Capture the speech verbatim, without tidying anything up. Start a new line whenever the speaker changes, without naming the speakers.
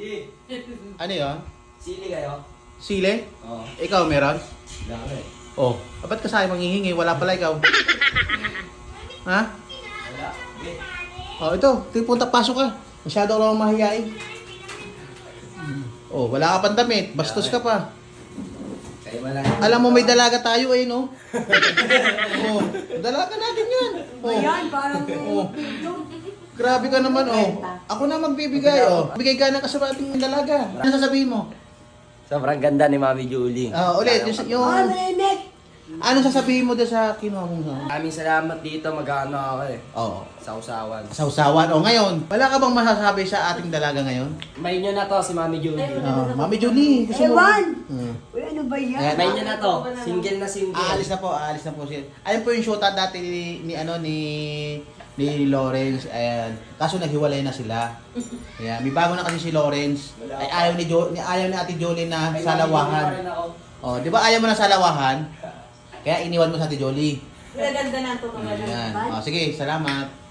Sige.
Ano yun?
Sili kayo?
Sile?
Oo.
Ikaw meron?
Dami.
Oh, ah, ba't ka sa'yo manghihingi? Wala pala ikaw. Ha?
Wala. Okay.
Oh, ito. Ito punta, pasok ka. Masyado ka lang mahihain. Oh, wala ka pang damit. Bastos ka pa.
Kayo malaki.
Alam mo, may dalaga tayo eh, no? Oh, dalaga natin yan. Oh.
Ayan, parang
Oh. Grabe ka naman, oh. Ako na magbibigay, oh. Bigay ka ng kasamating dalaga. Ano sasabihin mo?
Sobrang ganda ni Mami Julie.
Ah, ulit, yung, yung
Ah, malimit!
ano sasabihin mo doon sa kinuha mong sa?
Maraming salamat dito. Mag-ano ako eh.
Oo.
Sa usawan.
Sausawan. O ngayon, wala ka bang masasabi sa ating dalaga ngayon?
May nyo na to si Mami Julie.
Oh, Mami Julie, gusto mo?
Ewan!
Hmm.
Uy, ano ba yan?
Ayan.
May nyo na to. Single na single.
Aalis na po, aalis na po siya. Ayun po yung shota dati ni, ni ano ni ni Lawrence. Ayan. Kaso naghiwalay na sila. Ayan, may bago na kasi si Lawrence. Ay ayaw ni jo, ni ayaw ni Ate Jolie na
May Mami Julie pa
salawahan.
rin ako.
Oh, 'di ba ayaw mo na salawahan? Kaya iniwan mo sa Ate Jolie.
Ganda na ito.
Ayan. Oh, sige, salamat.